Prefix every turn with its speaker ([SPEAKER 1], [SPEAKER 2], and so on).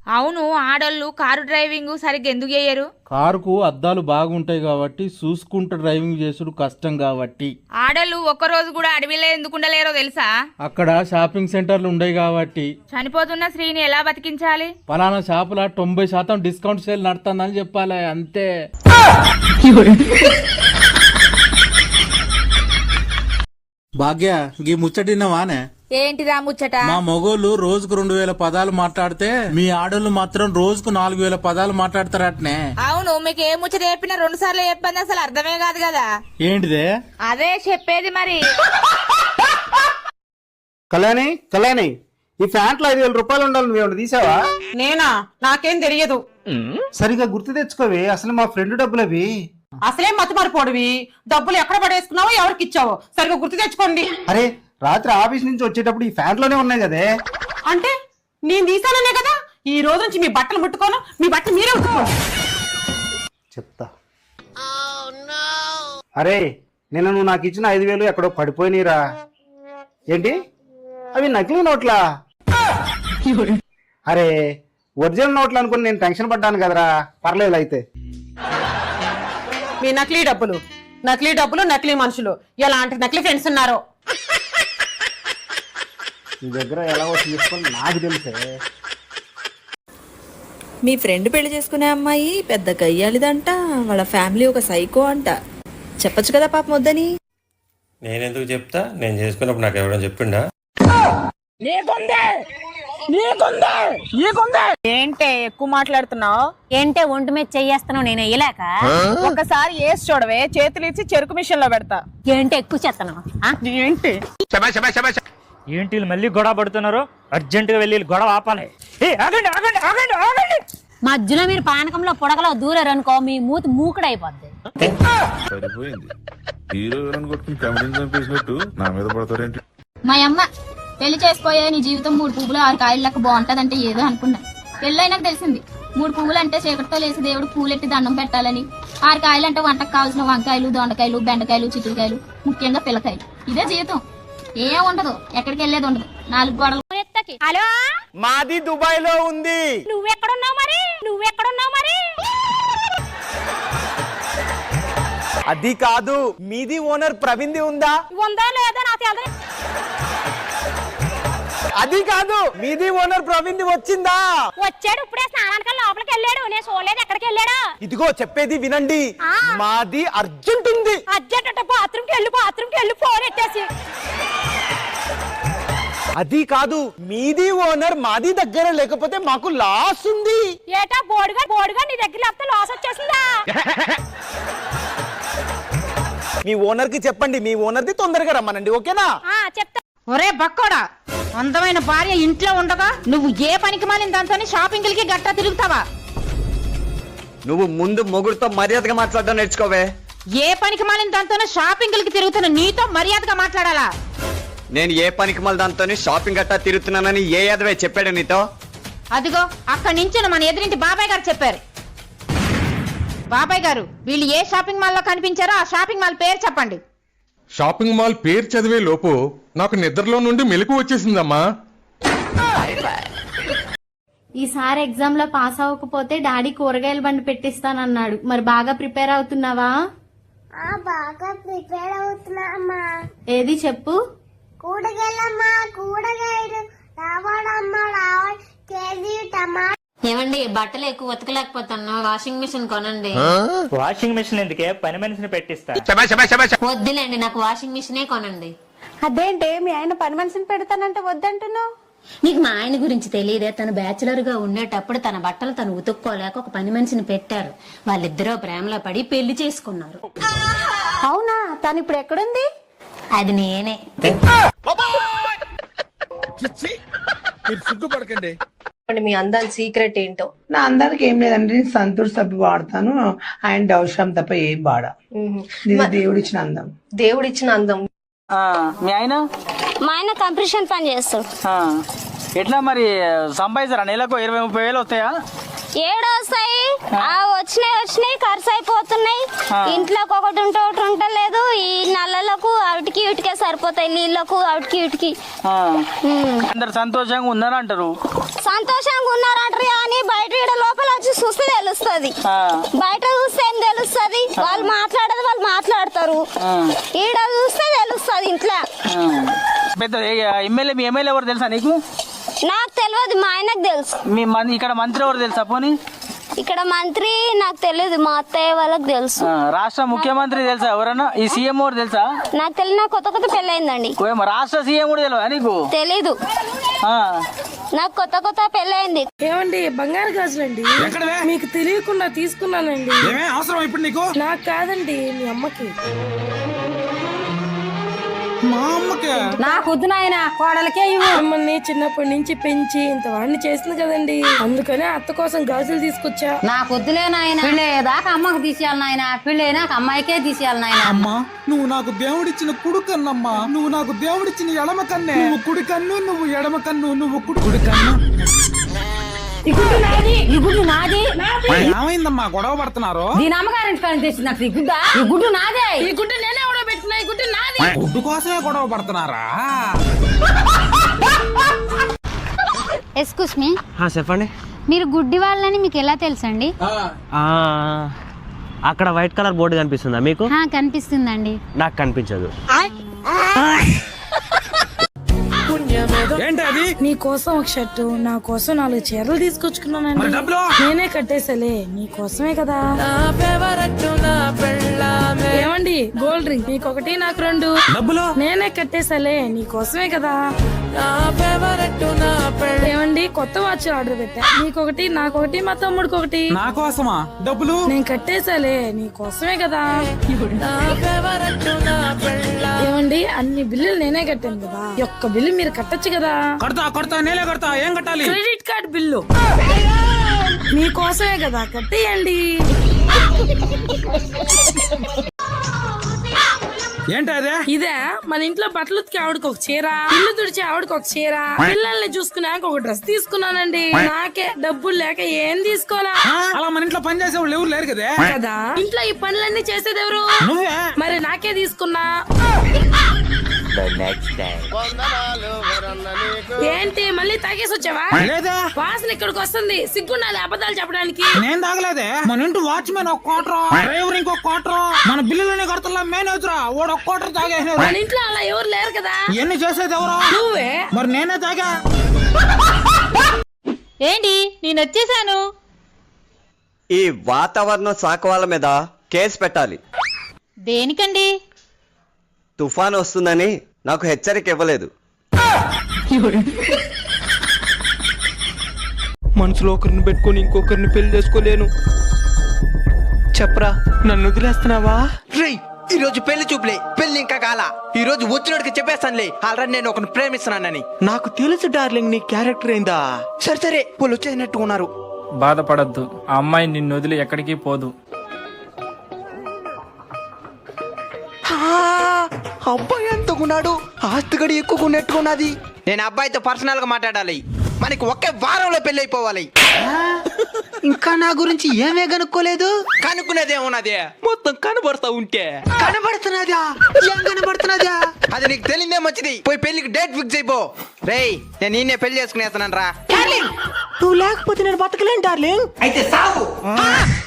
[SPEAKER 1] అవును, ఆడోళ్ళు car driving సరిగ్గా ఎందుకు చేయరు?
[SPEAKER 2] కారుకు అద్దాలు బాగుంటాయి కాబట్టి చూసుకుంటూ డ్రైవింగ్ చేసుడు కష్టం కాబట్టి.
[SPEAKER 1] ఆడోళ్ళు ఒక్కరోజు కూడా అడవిలో ఎందుకు ఉండలేరో తెలుసా?
[SPEAKER 2] అక్కడ షాపింగ్ సెంటర్లు ఉండయి కాబట్టి.
[SPEAKER 1] చనిపోతున్న స్త్రీని ఎలా బతికించాలి?
[SPEAKER 2] పలానా షాపుల 90% డిస్కౌంట్ సేల్ నడుతుందని చెప్పాలి, అంతే. భాగ్య, గీ ముచ్చటిన్నవానే?
[SPEAKER 1] ఏంటిదా ముచ్చట?
[SPEAKER 2] మా మొగోళ్ళు రోజుకు 2000 పదాలు మాట్లాడితే మీ ఆడోళ్ళు మాత్రం రోజుకు 4000 పదాలు మాట్లాడతారటనే.
[SPEAKER 1] అవును, మీకు ఏ ముచ్చట చెప్పినా 2 సార్లు చెప్పండి, అసలు అర్థమే కాదు కదా.
[SPEAKER 2] ఏంటిదే?
[SPEAKER 1] అదే చెప్పేది మరి.
[SPEAKER 3] కళ్యాణి ఈ ప్యాంట్లో 5000 రూపాయలు ఉండాలి, నువ్వు తీసావా?
[SPEAKER 4] నేనా? నాకేం తెలియదు.
[SPEAKER 3] సరిగా గుర్తు తెచ్చుకోవి, అసలు మా ఫ్రెండ్ డబ్బులు అవి.
[SPEAKER 4] అసలే మతి మరిపోడివి. డబ్బులు ఎక్కడ పడేసుకున్నావో ఎవరికి ఇచ్చావో సరిగా గుర్తు తెచ్చుకోండి.
[SPEAKER 3] అరే, రాత్రి ఆఫీస్ నుంచి వచ్చేటప్పుడు ఈ ప్యాంట్లోనే ఉన్నాయి కదే.
[SPEAKER 4] అంటే నేను తీసాననే కదా. ఈ రోజు నుంచి మీ బట్టలు ముట్టుకోను, మీ బట్టలు మీరే ఉట్టుకోండి.
[SPEAKER 3] చెప్తా. అరే, నిన్న నువ్వు నాకు ఇచ్చిన 5000 ఎక్కడో పడిపోయినరా? ఏంటి అవి నకిలీ నోట్లా? అరే, ఒరిజినల్ నోట్లు అనుకుని నేను టెన్షన్ పడ్డాను కదరా. పర్లేదు అయితే.
[SPEAKER 4] మీ నకిలీ డబ్బులు నకిలీ మనుషులు, ఎలాంటి నకిలీ ఫ్రెండ్స్ ఉన్నారో
[SPEAKER 3] నీ దగ్గర ఎలా తీసుకొని నాకు తెలుసే.
[SPEAKER 5] మీ ఫ్రెండ్ పెళ్లి చేసుకునే అమ్మాయి పెద్ద గయ్యాలిదంట, వాళ్ళ ఫ్యామిలీ ఒక సైకో అంట. చెప్పొచ్చు కదా పాపం వద్దని.
[SPEAKER 6] నేనెందుకు చెప్తా? నేను చేసుకున్నప్పుడు నాకు ఎవరైనా చెప్పిండా?
[SPEAKER 1] ఏంటే ఎక్కువ మాట్లాడుతున్నావు?
[SPEAKER 7] ఏంటే ఒంటి మీద చెయ్యేస్తున్నావు, నేను వేయలేక?
[SPEAKER 1] ఒకసారి వేసి చూడవే, చేతులు ఇచ్చి చెరుకు మిషన్ లో పెడతా.
[SPEAKER 7] ఏంటి ఎక్కువ చేస్తున్నావు?
[SPEAKER 1] ఏంటి
[SPEAKER 8] ఏంటి మళ్ళీ గొడవ పడుతున్నారు? అర్జెంట్ గా వెళ్ళి గొడవ ఆపాలి. ఆగండి ఆగండి ఆగండి ఆగండి.
[SPEAKER 7] మధ్యలో మీరు పానకంలో పొడగలో దూరారు అనుకో, మీ మూతి మూకుడైపోద్ది.
[SPEAKER 9] మా అమ్మ పెళ్లి చేసుకోయే నీ జీవితం 3 పువ్వులు 6 కాయలు లెక్క బాగుంటదంటే ఏదో అనుకున్నా. పెళ్ళైనాక తెలిసింది 3 పువ్వులు అంటే చీకటితో లేసి దేవుడు పూలెట్టి దండం పెట్టాలని, 6 కాయలు అంటే వంటకు కావాల్సిన వంకాయలు, దొండకాయలు, బెండకాయలు, చిక్కుడుకాయలు, ముఖ్యంగా పిల్లకాయలు. ఇదే జీవితం. ఏం ఉండదు, ఎక్కడికి వెళ్ళేది ఉండదు. 4 గోడలు.
[SPEAKER 7] హలో,
[SPEAKER 3] మాది దుబాయ్ లో ఉంది.
[SPEAKER 7] నువ్వెక్కడున్నావు మరి?
[SPEAKER 3] అది కాదు, మీది ఓనర్ ప్రవీణ్ది ఉందా?
[SPEAKER 7] ఉందా లేదా నాకు తెలియదు.
[SPEAKER 3] అది కాదు, మీది ఓనర్ ప్రవీణ్ది వచ్చిందా?
[SPEAKER 7] వచ్చాడు, ఇప్పుడే స్నానానికి లోపలికి వెళ్ళాడు. నేను చూడలేదు ఎక్కడికి వెళ్ళాడు.
[SPEAKER 3] ఇదిగో చెప్పేది వినండి, మాది అర్జెంట్ ఉంది.
[SPEAKER 7] అర్జెంట్ అంటే బాత్రూమ్కి వెళ్ళి ఫోన్ ఎట్టేసి.
[SPEAKER 3] అది కాదు, మీది ఓనర్ మాది దగ్గర లేకపోతే మాకు లాస్ ఉంది.
[SPEAKER 7] ఏటా బోర్డుగా నీ దగ్గర లేకపోతే లాస్ వచ్చేసిందా?
[SPEAKER 3] మీ ఓనర్ కి చెప్పండి, మీ ఓనర్ ది తొందరగా రమ్మనండి, ఓకేనా?
[SPEAKER 7] చెప్తా.
[SPEAKER 4] ఒరే బక్కోడా, అందమైన భార్య ఇంట్లో ఉండగా నువ్వు ఏ పనికి మాలిన దాంతో షాపింగ్లకి గట్టా తిరుగుతావా?
[SPEAKER 10] నువ్వు ముందు మొగుడుతో మర్యాదగా మాట్లాడడం నేర్చుకోవే.
[SPEAKER 4] ఏ పనికి మాలిన దాంతో షాపింగ్లకి తిరుగుతున్న నీతో మర్యాదగా మాట్లాడాలా?
[SPEAKER 10] నేను ఏ పనికి మళ్ళీ దాంతో షాపింగ్ గట్టా తిరుగుతున్నానని ఏ యాదవే చెప్పాడు నీతో?
[SPEAKER 4] అదిగో అక్కడి నుంచి మన ఎదురింటి బాబాయ్ గారు చెప్పారు. బాబాయ్ గారు, వీళ్ళు ఏ షాపింగ్ మాల్ లో కనిపించారో ఆ షాపింగ్ మాల్ పేరు చెప్పండి.
[SPEAKER 11] షాపింగ్ మాల్ పేరు చదివే లోపు నాకు నిద్రలో నుండి మెలకు వచ్చేసిందమ్మా.
[SPEAKER 9] ఈసారి ఎగ్జామ్ లో పాస్ అవ్వకపోతే డాడీ కూరగాయల బండి పెట్టిస్తానన్నాడు. మరి బాగా ప్రిపేర్ అవుతున్నావా?
[SPEAKER 12] బాగా ప్రిపేర్ అవుతున్నా.
[SPEAKER 9] ఏది చెప్పు.
[SPEAKER 12] కూరగాయలు కేజీ టమాటా.
[SPEAKER 7] ఏమండి, బట్టలు ఎక్కువ ఉతకలేకపోతున్నా, వాషింగ్ మిషన్ కొనండి.
[SPEAKER 8] వాషింగ్ మిషన్ ఎందుకే, పని మనిషిని పెట్టిస్తా.
[SPEAKER 7] వద్దులేండి, నాకు వాషింగ్ మిషనే కొనండి.
[SPEAKER 9] అదేంటే మీ ఆయన పని మనిషిని పెడతానంటే వద్దంటున్నావు?
[SPEAKER 7] నీకు మా ఆయన గురించి తెలియదే. తను బ్యాచులర్ గా ఉండేటప్పుడు తన బట్టలు తను ఉతుక్కోలేక ఒక పని మనిషిని పెట్టారు. వాళ్ళిద్దరూ ప్రేమలో పడి పెళ్లి చేసుకున్నారు.
[SPEAKER 9] అవునా? తను ఇప్పుడు ఎక్కడుంది?
[SPEAKER 7] అది నేనే.
[SPEAKER 3] సిగ్గుపడకండి.
[SPEAKER 5] మీ అందాన్ని సీక్రెట్ ఏంటో?
[SPEAKER 4] నా అందానికి ఏం లేదండి, నేను సంతూర్ సబ్బు వాడతాను, అండ్ అవసరం తప్ప ఏం వాడా. దేవుడిచ్చిన అందం.
[SPEAKER 5] దేవుడిచ్చిన అందం.
[SPEAKER 3] మీ ఆయన?
[SPEAKER 9] మా ఆయన కంప్రెషన్ పని చేస్తాడు.
[SPEAKER 3] ఎట్లా మరి సంపాదిస్తారా? నెలకు 20-30 వేలు వస్తాయా?
[SPEAKER 9] ఏడొస్తాయి, వచ్చినాయి ఖర్చు అయిపోతున్నాయి. ఇంట్లోకి ఒకటి ఉంటే ఒకటి ఉండలేదు. ఈ నల్లలకు అవిటికి ఇటుకే సరిపోతాయి, నీళ్ళకు అవిటికి ఇటుకి.
[SPEAKER 3] అందరు సంతోషంగా ఉందని అంటారు.
[SPEAKER 12] సంతోషంగా ఉన్నారంటారు కానీ బయట ఈడ లోపల వచ్చి చూస్తే తెలుస్తుంది. బయట చూస్తే ఏం తెలుస్తుంది? వాళ్ళు మాట్లాడేది వాళ్ళు మాట్లాడతారు, ఈడ చూస్తే తెలుస్తుంది ఇంట్లో.
[SPEAKER 3] పెద్ద ఎమ్మెల్యే మీ ఎమ్మెల్యే ఎవరు తెలుసా నీకు?
[SPEAKER 12] నాకు తెలియదు, మా ఆయనకు తెలుసు.
[SPEAKER 3] మీ ఇక్కడ మంత్రి ఎవరు తెలుసా పోనీ?
[SPEAKER 12] ఇక్కడ మంత్రి నాకు తెలియదు, మా అత్తయ్య వాళ్ళకి తెలుసు.
[SPEAKER 3] రాష్ట్ర ముఖ్యమంత్రి తెలుసా ఎవరన్నా? ఈ సీఎం ఎవరు తెలుసా?
[SPEAKER 12] నాకు తెలియదు, నాకు కొత్త కొత్త పెళ్ళయిందండి.
[SPEAKER 3] రాష్ట్ర సీఎం కూడా తెలియదా నీకు?
[SPEAKER 12] తెలీదు, నాకు కొత్త కొత్త పెళ్ళయింది.
[SPEAKER 1] ఏమండి బంగారు గాజులండి మీకు తెలియకుండా తీసుకున్నానండి.
[SPEAKER 3] అవసరం ఇప్పుడు నీకు?
[SPEAKER 1] నాకు కాదండి, మీ అమ్మకి.
[SPEAKER 3] మా అమ్మకే?
[SPEAKER 1] నాకు వద్దు నాయన, కోడలకే మిమ్మల్ని చిన్నప్పటి నుంచి పెంచి ఇంత వాడిని చేసింది కదండి, అందుకనే అత్త కోసం గాజులు తీసుకొచ్చా.
[SPEAKER 7] నాకు వద్దులే నాయన, పెళ్ళేదాకా అమ్మకు తీసేయాలి నాయన, పెళ్ళైనాక అమ్మాయికే తీసేయాలి నాయన.
[SPEAKER 3] అమ్మా నువ్వు నాకు దేవుడిచ్చిన కుడి కన్నమ్మా, నువ్వు నాకు దేవుడిచ్చిన ఎడమ కన్నే. నువ్వు కుడి కన్ను, నువ్వు ఎడమ కన్ను, నువ్వు కుడి కన్ను.
[SPEAKER 7] ఈ గుడ్డు నాది.
[SPEAKER 3] ఏమైందమ్మా గొడవ పడుతున్నారు?
[SPEAKER 7] దీని అమ్మగారింటి కానీ తెచ్చింది నాకు ఈ గుడ్డ. ఈ గుడ్డు నాదే.
[SPEAKER 1] ఈ గుడ్డ నేనే ఎవడో పెట్టినా, ఈ గుడ్డ నాది.
[SPEAKER 3] గుడ్డు కోసమే గొడవ పడుతున్నారా?
[SPEAKER 9] ఎక్స్క్యూస్ మీ,
[SPEAKER 3] చెప్పండి.
[SPEAKER 9] మీరు గుడ్డి వాళ్ళని మీకు ఎలా తెలుసండి?
[SPEAKER 8] అక్కడ వైట్ కలర్ బోర్డు కనిపిస్తుందా మీకు?
[SPEAKER 9] కనిపిస్తుందండి.
[SPEAKER 8] నాకు కనిపించదు.
[SPEAKER 3] ఏంటి అది?
[SPEAKER 1] నీ కోసం ఒక షర్టు, నా కోసం 4 చీరలు తీసుకొచ్చుకున్నానండి. నేనే కట్టేసలే, నీ కోసమే కదా. ఏమండి గోల్డ్ డ్రింక్ నీకొకటి నాకు 2.
[SPEAKER 3] డబ్బులు
[SPEAKER 1] నేనే కట్టేసలే, నీ కోసమే కదా. ఏమండి కొత్త వాచ్ ఆర్డర్ పెట్టా, నీకొకటి నాకొకటి మా తమ్ముడికి ఒకటి.
[SPEAKER 3] నా కోసమా? డబ్బులు
[SPEAKER 1] నేను కట్టేసాలే, నీ కోసమే కదా. ఏమండి అన్ని బిల్లులు నేనే కట్టాను కదా, ఒక్క బిల్లు మీరు కట్టొచ్చు కదా.
[SPEAKER 3] కడతా నేలే కడతా. ఏం కట్టాలి?
[SPEAKER 1] క్రెడిట్ కార్డ్ బిల్లు మీకోసమే కదా, కట్టేయండి.
[SPEAKER 3] ఏంటి అదే?
[SPEAKER 1] ఇదే మన ఇంట్లో బట్టలు ఉతికి ఆవిడకి ఒక చీర, ఇల్లు తుడిచి ఆవిడకి ఒక చీర, పిల్లల్ని చూసుకున్నాక ఒక డ్రెస్ తీసుకున్నానండి. నాకే డబ్బులు లేక ఏం తీసుకోవాలా?
[SPEAKER 3] అలా మన ఇంట్లో పని చేసే వాళ్ళు ఎవరు లేరు కదా.
[SPEAKER 1] కదా ఇంట్లో ఈ పనులన్నీ చేసేది ఎవరు?
[SPEAKER 3] నువ్వే.
[SPEAKER 1] మరి నాకే తీసుకున్నా. ఏంటి మళ్ళీ తాగేసి వచ్చావా?
[SPEAKER 3] లేదా
[SPEAKER 1] వాసన ఇక్కడికి వస్తుంది, సిగ్గుండాలి అబద్ధాలు చెప్పడానికి.
[SPEAKER 3] నేను తాగలేదే. మన ఇంటి వాచ్మెన్ ఒక క్వార్టర్, డ్రైవర్ ఇంకో క్వార్టర్, మన బిల్లులనే కడతా మేనేజర్ వాడు ఒక క్వార్టర్ తాగేసాడు.
[SPEAKER 1] మన ఇంట్లో అలా ఎవరు లేరు కదా.
[SPEAKER 3] ఎన్ని చేసేది ఎవరు?
[SPEAKER 1] నువ్వే.
[SPEAKER 3] మరి నేనే తాగా.
[SPEAKER 4] ఏంటి నేను వచ్చేసాను.
[SPEAKER 10] ఈ వాతావరణ శాఖ వాళ్ళ మీద కేసు పెట్టాలి.
[SPEAKER 4] దేనికండి?
[SPEAKER 10] తుఫాన్ వస్తుందని నాకు హెచ్చరిక ఇవ్వలేదు.
[SPEAKER 3] మనసులో ఒకరిని పెట్టుకొని ఇంకొకరిని పెళ్లి చేసుకోలేను. చెప్పరా, నన్ను వదిలేస్తున్నావా?
[SPEAKER 13] ఈ రోజు పెళ్లి చూపులే, పెళ్లి ఇంకా కాల. ఈ రోజు వచ్చినోడికి చెప్పేస్తానులే, ఆల్రెడీ నేను ఒకరిని ప్రేమిస్తున్నానని. నాకు తెలుసు డార్లింగ్, నీ క్యారెక్టర్ ఏందా. సరే వాళ్ళు వచ్చేసినట్టు ఉన్నారు.
[SPEAKER 8] బాధపడద్దు, ఆ అమ్మాయి నిన్ను వదిలి ఎక్కడికి పోదు.
[SPEAKER 13] అబ్బాయి ఎంతకున్నాడు, ఆస్తిగడి ఎక్కువ నెట్టుకున్నది. నేను అబ్బాయితో పర్సనల్ గా మాట్లాడాలి, మనకి ఒకే వారంలో పెళ్లి అయిపోవాలి. ఇంకా నా గురించి ఏమే కనుక్కోలేదు. కనుక్కునేదేమున్నది, మొత్తం కనబడతా ఉంటే. కనబడుతున్నదా? ఏం కనబడుతున్నదా? అది నీకు తెలియదే మంచిది. పోయి పెళ్లికి డేట్ ఫిక్స్ అయిపో. రేయ్ నేను నిన్నే పెళ్లి చేసుకునేస్తాను రా. నువ్వు లేకపోతే నేను బతకలేను డార్లింగ్. అయితే సాగు.